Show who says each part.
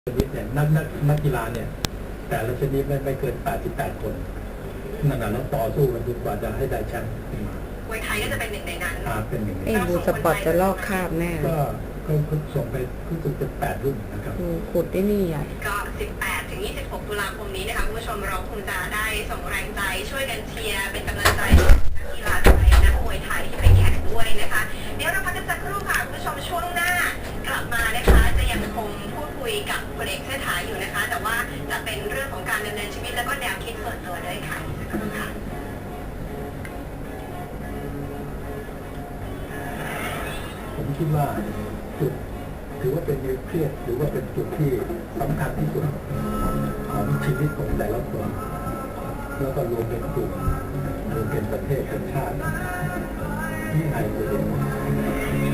Speaker 1: ชนิดเนี่ยนักกีฬาเนี่ยแต่ละชนิดไม่เกิน88คนนั่นแหละแล้วต่อสู้กันจนกว่าจะให้ได้แชมป์ขึ้นมาม
Speaker 2: วยไทยก็จะเป็นหนึ่งในนั้น
Speaker 1: เป็นหนึ่งใน
Speaker 3: บูสปอร์ตจะลอกคราบแน่
Speaker 1: ก็ส่งไปรู้สึกจะ8 รุ่นนะครับ
Speaker 3: ขุดได้นี่ใหญ่
Speaker 2: ก็18 ถึง 26 ตุลาคมนี้นะคะคุณผู้ชมเราคงจะได้ส่งแรงใจช่วยกันเชียร์เป็นกำลังใจนักกีฬาไทยนักมวยไทยที่ไปแข่งด้วยนะคะเดี๋ยวเราพักกันสักครู่ค่ะคุณผู้ชมช่วงหน้ากลับมานะคะจะยังคงพูดคุยกับพลเอกเชษฐาอยู่นะคะแต่ว่าจะเป็นเรื่องของการดำเนินชีวิตแล้วก็แนวคิดส่วนตัวด้วยค่ะสักครู่ค่ะ
Speaker 1: ผมคิดว่าจุดถือว่าเป็นนิวเคลียสหรือว่าเป็นจุดที่สำคัญที่สุดของชีวิตของแต่ละคนแล้วก็รวมเป็นกลุ่มรวมเป็นประเทศเป็นชาติที่ไทยตัวเอง